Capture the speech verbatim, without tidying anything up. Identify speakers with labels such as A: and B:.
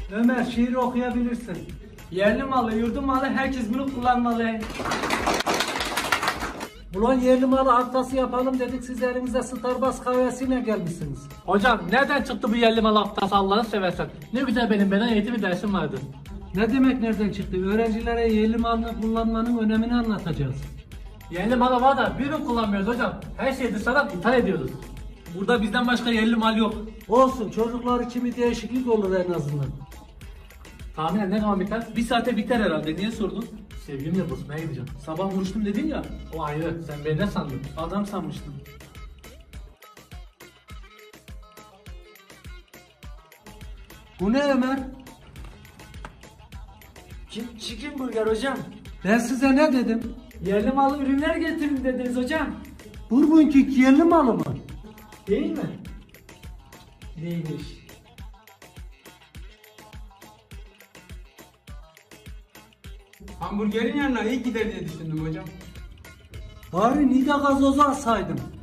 A: Ömer, şiir okuyabilirsin.
B: Yerli malı, yurdum malı, herkes bunu kullanmalı.
A: Ulan yerli malı haftası yapalım dedik, siz elinize Starbucks kahvesiyle gelmişsiniz.
B: Hocam nereden çıktı bu yerli malı haftası Allah'ını seversen? Ne güzel benim beden eğitimi dersim vardı.
A: Ne demek nereden çıktı? Öğrencilere yerli malını kullanmanın önemini anlatacağız.
B: Yerli malı var da bir ürün kullanmıyoruz hocam. Her şeyi dışarıdan ithal ediyoruz. Burada bizden başka yerli mal yok.
A: Olsun, çocuklar için bir değişiklik olur en azından.
B: Tahminen ne zaman biter? Bir saate biter herhalde. Niye sordun? Sevgilimle buluşmaya gideceğim. Sabah vuruştum dedin ya. O ayrı. Sen beni ne sandın? Adam sanmıştım.
A: Bu ne Ömer?
B: Chicken burger hocam.
A: Ben size ne dedim?
B: Yerli malı ürünler getirin dediniz hocam.
A: Bourbon King yerli malı mı?
B: Değil mi? Değilmiş.
C: Hamburgerin yanına iyi gider diye düşündüm hocam.
A: Bari Nida gazozu alsaydım.